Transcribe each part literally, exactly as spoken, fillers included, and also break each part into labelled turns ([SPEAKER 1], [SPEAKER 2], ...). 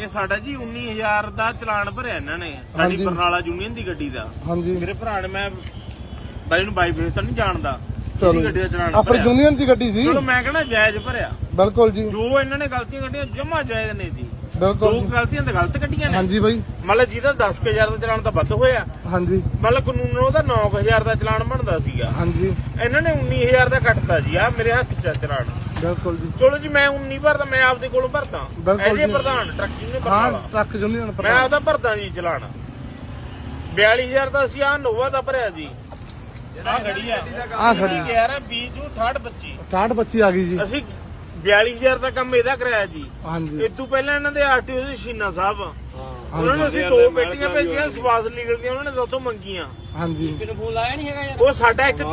[SPEAKER 1] ਇਹ ਸਾਡਾ ਜੀ ਉੱਨੀ ਹਜ਼ਾਰ ਦਾ ਚਲਾਨ ਭਰਿਆ ਇਹਨਾਂ ਨੇ ਸਾਡੀ ਬਰਨਾਲਾ ਯੂਨੀਅਨ ਦੀ ਗੱਡੀ ਦਾ।
[SPEAKER 2] ਹਾਂਜੀ
[SPEAKER 1] ਮੇਰੇ ਭਰਾ ਨੇ, ਮੈਂ ਬਾਈ ਨੂੰ ਬਾਈ ਫੇਸ ਤਾਂ ਨਹੀਂ ਜਾਣਦਾ,
[SPEAKER 2] ਚਲੋ
[SPEAKER 1] ਗੱਡੀ ਦਾ ਚਲਾਨ
[SPEAKER 2] ਆਪਣੀ ਯੂਨੀਅਨ ਦੀ ਗੱਡੀ ਸੀ।
[SPEAKER 1] ਚਲੋ ਮੈਂ ਕਹਿੰਦਾ ਜਾਇਜ਼ ਭਰਿਆ।
[SPEAKER 2] ਬਿਲਕੁਲ ਜੀ,
[SPEAKER 1] ਜੋ ਇਹਨਾਂ ਨੇ ਗਲਤੀਆਂ ਕੱਢੀਆਂ ਜਮਾ ਜਾਇਜ਼ ਨੇ ਜੀ। ਦੋ
[SPEAKER 2] ਬਿਲਕੁਲ
[SPEAKER 1] ਗਲਤੀਆਂ ਤਾਂ ਗਲਤ ਕੱਢੀਆਂ ਨੇ।
[SPEAKER 2] ਹਾਂਜੀ ਬਾਈ,
[SPEAKER 1] ਮਤਲਬ ਜਿਹਦਾ ਦਸ ਕੁ ਹਜ਼ਾਰ ਦਾ ਚਲਾਨ ਤਾਂ ਵੱਧ ਹੋਇਆ,
[SPEAKER 2] ਹਾਂਜੀ
[SPEAKER 1] ਮਤਲਬ ਕਾਨੂੰਨ ਉਹਦਾ ਨੌ ਕੁ ਹਜ਼ਾਰ ਦਾ ਚਲਾਨ ਬਣਦਾ ਸੀਗਾ।
[SPEAKER 2] ਹਾਂਜੀ
[SPEAKER 1] ਇਹਨਾਂ ਨੇ ਉੱਨੀ ਹਜ਼ਾਰ ਦਾ ਕੱਟਤਾ ਜੀ। ਆ ਮੇਰੇ ਹੱਥ 'ਚ ਆ ਚਲਾਨ।
[SPEAKER 2] ਬਿਲਕੁਲ ਜੀ।
[SPEAKER 1] ਚਲੋ ਜੀ ਮੈਂ ਉੱਨੀ ਭਰਦਾ, ਮੈਂ ਆਪਦੇ ਕੋਲੋਂ ਭਰਦਾ
[SPEAKER 2] ਬਿਲਕੁਲ
[SPEAKER 1] ਐਜੇ
[SPEAKER 2] ਜੀ।
[SPEAKER 1] ਪ੍ਰਧਾਨ ਟਰੱਕ ਯੂਨੀਅਨ
[SPEAKER 2] ਹਾਂ
[SPEAKER 1] ਬਰਨਾਲਾ,
[SPEAKER 2] ਟਰੱਕ ਯੂਨੀਅਨ
[SPEAKER 1] ਮੈਂ ਆਪਦਾ ਭਰਦਾ ਜੀ ਚਲਾਨ। ਬਿਆਲੀ ਹਜ਼ਾਰ ਦਾ ਅਸੀਂ ਆ ਨੋਵਾ ਦਾ ਭਰਿਆ ਜੀ। ਆ ਖੜੀ ਆ,
[SPEAKER 2] ਆ ਖੜੀ
[SPEAKER 1] ਗਿਆਰਾਂ ਵੀਹ ਜੂ ਅਠਾਹਠ ਪੱਚੀ
[SPEAKER 2] ਅਠਾਹਠ ਪੱਚੀ ਆ ਗਈ ਜੀ।
[SPEAKER 1] ਅਸੀਂ ਬਿਆਲੀ ਹਜ਼ਾਰ ਦਾ ਕੰਮ ਇਹਦਾ ਕਰਾਇਆ ਜੀ।
[SPEAKER 2] ਹਾਂਜੀ
[SPEAKER 1] ਇਸ ਤੋਂ ਪਹਿਲਾਂ ਇਹਨਾਂ ਦੇ ਆਰਟੀਓ ਸੀ ਸ਼ੀਨਾ ਸਾਹਿਬ, ਉਹਨਾਂ ਨੇ ਅਸੀਂ ਦੋ ਪੇਟੀਆਂ ਭੇਜੀਆਂ, ਸਵਾਸ ਨਿਕਲਦੀਆਂ ਉਹਨਾਂ ਨੇ ਸਾਤੋਂ ਮੰਗੀਆਂ।
[SPEAKER 2] ਹਾਂਜੀ
[SPEAKER 3] ਕਿਨੂੰ ਫੋਨ ਲਾਇਆ ਨਹੀਂ ਹੈਗਾ ਯਾਰ।
[SPEAKER 1] ਉਹ ਸਾਡਾ ਇੱਕ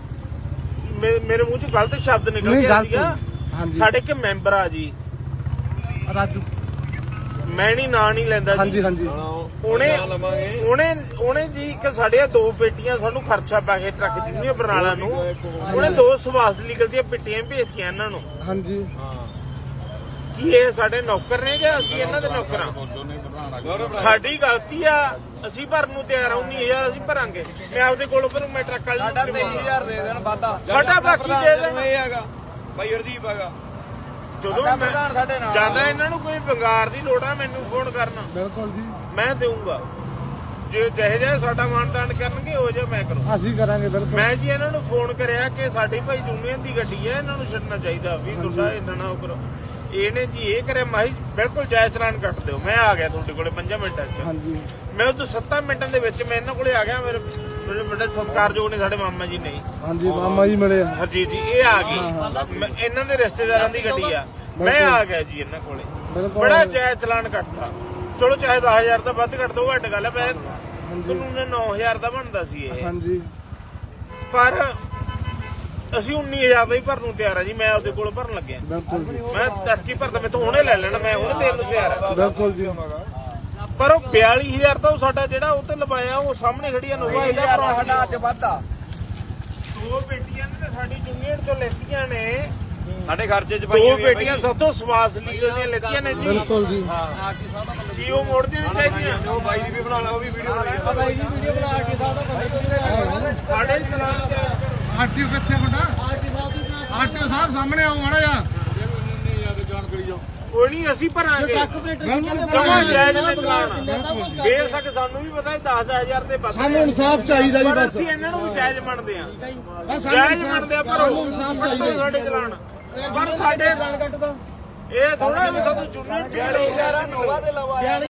[SPEAKER 1] ਮੇ- ਮੇਰੇ ਮੂੰਹ ਚੋਂ ਗਲਤ ਸ਼ਬਦ ਨਿਕਲ
[SPEAKER 2] ਨਹੀਂ,
[SPEAKER 1] ਗਿਆ
[SPEAKER 2] ਗਲਤ।
[SPEAKER 1] ਸੀਗਾ।
[SPEAKER 2] ਹਾਂਜੀ
[SPEAKER 1] ਸਾਡੇ ਇੱਕ ਮੈਂਬਰ ਆ ਜੀ,
[SPEAKER 2] ਰਾਜੂ।
[SPEAKER 1] ਮੈਂ ਨਹੀਂ ਨਾਂ ਨਹੀਂ ਲੈਂਦਾ ਜੀ।
[SPEAKER 2] ਹਾਂਜੀ ਹਾਂਜੀ
[SPEAKER 1] ਉਹਨੇ ਉਹਨੇ ਉਹਨੇ ਜੀ ਇੱਕ ਸਾਡੇ ਦੋ ਪੇਟੀਆਂ ਸਾਨੂੰ ਖਰਚਾ ਪਾ ਕੇ ਟਰੱਕ ਜਿੰਨੀ ਬਰਨਾਲਾ ਨੂੰ, ਉਹਨੇ ਦੋ ਸਵਾਸ ਨਿਕਲਦੀਆਂ ਪੇਟੀਆਂ ਭੇਜਤੀਆਂ ਇਹਨਾਂ ਨੂੰ।
[SPEAKER 2] ਹਾਂਜੀ
[SPEAKER 1] ਕੀ ਇਹ ਸਾਡੇ ਨੌਕਰ ਨੇ ਜਾਂ ਅਸੀਂ ਇਹਨਾਂ ਦੇ ਨੌਕਰਾਂ? ਸਾਡੀ ਗਲਤੀ ਆ, ਅਸੀਂ ਭਰਨ ਨੂੰ ਤਿਆਰ ਆ। ਉੱਨੀ ਹਜ਼ਾਰ ਅਸੀਂ ਭਰਾਂਗੇ। ਮੈਂ ਆਪਦੇ ਕੋਲੋਂ ਭਰੂ, ਮੈਂ ਟਰੱਕ ਵਾਲੇ
[SPEAKER 3] ਸਾਡਾ ਤੇਈ ਹਜ਼ਾਰ ਦੇ ਦੇਣ ਵਾਦਾ।
[SPEAKER 1] ਸਾਡਾ ਬਾਕੀ ਦੇ ਦੇਣ।
[SPEAKER 3] ਇਹ ਹੈਗਾ ਭਾਈ ਹਰਦੀਪ ਹੈਗਾ,
[SPEAKER 1] ਜਦੋਂ
[SPEAKER 3] ਸਾਡਾ
[SPEAKER 1] ਮੈਂ
[SPEAKER 3] ਪ੍ਰਧਾਨ ਸਾਡੇ ਨਾਲ
[SPEAKER 1] ਜਾਂਦਾ ਇਹਨਾਂ ਨੂੰ ਕੋਈ ਬੰਗਾਰ ਦੀ ਲੋੜ ਆ, ਮੈਨੂੰ ਫੋਨ ਕਰਨਾ,
[SPEAKER 2] ਬਿਲਕੁਲ ਜੀ,
[SPEAKER 1] ਮੈਂ ਦੇਊਂਗਾ। ਜੇ ਜਿਹੇ ਜਿਹੇ ਸਾਡਾ ਮਾਨਦਾਨ ਕਰਨਗੇ ਉਹ ਜਿਹਾ ਮੈਂ ਕਰੂੰ।
[SPEAKER 2] ਅਸੀਂ ਕਰਾਂਗੇ ਬਿਲਕੁਲ।
[SPEAKER 1] ਮੈਂ ਜੀ ਇਹਨਾਂ ਨੂੰ ਫੋਨ ਕਰਿਆ ਕਿ ਸਾਡੀ ਭਾਈ ਯੂਨੀਅਨ ਦੀ ਗੱਡੀ ਹੈ, ਇਹਨਾਂ ਨੂੰ ਛੱਡਣਾ ਚਾਹੀਦਾ ਵੀ ਤੁਹਾਡਾ ਇਹਨਾਂ ਨਾਲ ਉਹ ਕਰੋ। ਇਹਨੇ ਜੀ ਇਹ ਕਰਿਆ, ਮਾਈ ਬਿਲਕੁਲ ਜਾਇਜ਼ ਚਲਾਨ ਕੱਟ ਦਿਓ। ਮੈਂ ਆ ਗਿਆ ਤੁਹਾਡੇ ਕੋਲੇ ਪੰਜਾਂ ਮਿੰਟਾਂ 'ਚ।
[SPEAKER 2] ਹਾਂਜੀ
[SPEAKER 1] ਮੈਂ ਉਦੋਂ ਸੱਤਾਂ ਮਿੰਟਾਂ ਦੇ ਵਿੱਚ ਮੈਂ ਇਹਨਾਂ ਕੋਲੇ ਆ ਗਿਆ। ਮੇਰੇ ਮੇਰੇ ਵੱਡੇ ਸਤਿਕਾਰਯੋਗ ਨੇ ਸਾਡੇ ਮਾਮਾ ਜੀ ਨੇ,
[SPEAKER 2] ਹਾਂਜੀ ਮਾਮਾ ਜੀ ਮਿਲੇ ਆ।
[SPEAKER 1] ਹਰਜੀਤ ਜੀ, ਇਹ ਆ ਗਈ। ਮੈਂ ਇਹਨਾਂ ਦੇ ਰਿਸ਼ਤੇਦਾਰਾਂ ਦੀ ਗੱਡੀ ਆ, ਮੈਂ ਆ ਗਿਆ ਜੀ ਇਹਨਾਂ ਕੋਲੇ।
[SPEAKER 2] ਬਿਲਕੁਲ
[SPEAKER 1] ਬੜਾ ਜਾਇਜ਼ ਚਲਾਨ ਕੱਟਦਾ। ਚਲੋ ਚਾਹੇ ਦਸ ਹਜ਼ਾਰ ਦਾ ਵੱਧ ਕੱਟ ਦੋ, ਘੱਟ ਗੱਲ ਹੈ। ਕਾਨੂੰਨ ਨੌ ਹਜ਼ਾਰ ਦਾ ਬਣਦਾ ਸੀ ਇਹ,
[SPEAKER 2] ਹਾਂਜੀ
[SPEAKER 1] ਪਰ ਅਸੀਂ ਉੱਨੀ ਹਜ਼ਾਰ ਦਾ ਹੀ ਭਰਨ ਨੂੰ ਤਿਆਰ ਆ ਜੀ। ਮੈਂ ਉਹਦੇ ਕੋਲ ਭਰਨ ਲੱਗਿਆ।
[SPEAKER 2] ਬਿਲਕੁਲ ਜੀ,
[SPEAKER 1] ਮੈਂ ਤੜਕੀ ਭਰਦਾ, ਮੈਂ ਹੁਣੇ ਲੈ ਲੈਣਾ, ਮੈਂ ਹੁਣੇ ਦੇਣ ਨੂੰ ਤਿਆਰ ਆ।
[SPEAKER 2] ਬਿਲਕੁਲ ਜੀ।
[SPEAKER 1] ਪਰ ਉਹ ਬਿਆਲੀ ਹਜ਼ਾਰ ਤਾਂ ਉਹ ਸਾਡਾ ਜਿਹੜਾ ਉਹ ਤੇ ਲਵਾਇਆ, ਉਹ ਸਾਹਮਣੇ ਖੜੀ ਆ ਨੋਵਾ, ਇਹਦਾ
[SPEAKER 3] ਸਾਡਾ
[SPEAKER 1] ਭਰਾ
[SPEAKER 3] ਅੱਜ ਵਾਦਾ।
[SPEAKER 1] ਦੋ ਬੇਟੀਆਂ ਨੇ ਸਾਡੀ ਯੂਨੀਅਨ ਤੋਂ ਲੈਤੀਆਂ ਨੇ।
[SPEAKER 3] ਸਾਡੇ ਖਰਚੇ ਚ
[SPEAKER 1] ਦੋ ਬੇਟੀਆਂ ਸਭ ਤੋਂ ਸਵਾਸ ਲੀਗਲ ਦੀਆਂ ਲੈਤੀਆਂ ਨੇ ਜੀ।
[SPEAKER 2] ਬਿਲਕੁਲ ਜੀ,
[SPEAKER 1] ਕੀ ਉਹ ਮੋੜਦੀਆਂ ਨਹੀਂ ਚਾਹੀਦੀਆਂ?
[SPEAKER 3] ਉਹ ਬਾਈ ਦੀ ਵੀ ਬਣਾ ਲਾ, ਉਹ ਵੀ ਵੀਡੀਓ ਬਣਾ ਬਾਈ ਦੀ ਵੀਡੀਓ ਬਣਾ ਕੇ ਸਾਡਾ
[SPEAKER 1] ਸਾਡੇ ਚਲਾਨ ਤੇ
[SPEAKER 2] ਆਰਟੀਓ ਕਿੱਥੇ ਤੁਹਾਡਾ? ਆਰਟੀਓ ਸਾਹਿਬ ਸਾਹਮਣੇ ਆਓ ਮਾੜਾ ਜਿਹਾ।
[SPEAKER 1] ਕੋਈ ਨਹੀਂ, ਅਸੀਂ ਭਰਾਂਗੇ। ਜਮਾ ਜਾਇਜ਼ ਨੇ ਚਲਾਨ। ਬੇਸ਼ੱਕ ਸਾਨੂੰ ਵੀ ਪਤਾ ਦਸ ਦਸ ਹਜ਼ਾਰ ਦੇ ਵੱਧ
[SPEAKER 2] ਸਾਨੂੰ ਇਨਸਾਫ ਚਾਹੀਦਾ ਜੀ,
[SPEAKER 1] ਪਰ
[SPEAKER 2] ਬਸ
[SPEAKER 1] ਅਸੀਂ ਇਹਨਾਂ ਨੂੰ ਵੀ ਜਾਇਜ਼ ਮੰਨਦੇ ਆ।
[SPEAKER 2] ਬਸ
[SPEAKER 1] ਜਾਇਜ਼ ਮੰਨਦੇ ਆ, ਪਰ
[SPEAKER 2] ਸਾਨੂੰ ਇਨਸਾਫ ਚਾਹੀਦਾ ਜੀ।
[SPEAKER 1] ਸਾਡੇ ਚਲਾਨ ਪਰ ਸਾਡੇ ਇਹ ਥੋੜਾ ਵੀ ਸਾਨੂੰ ਚੁਣਨ
[SPEAKER 3] ਬਿਆਲੀ ਹਜ਼ਾਰ ਨੋਵਾ ਦੇ ਲਵਾ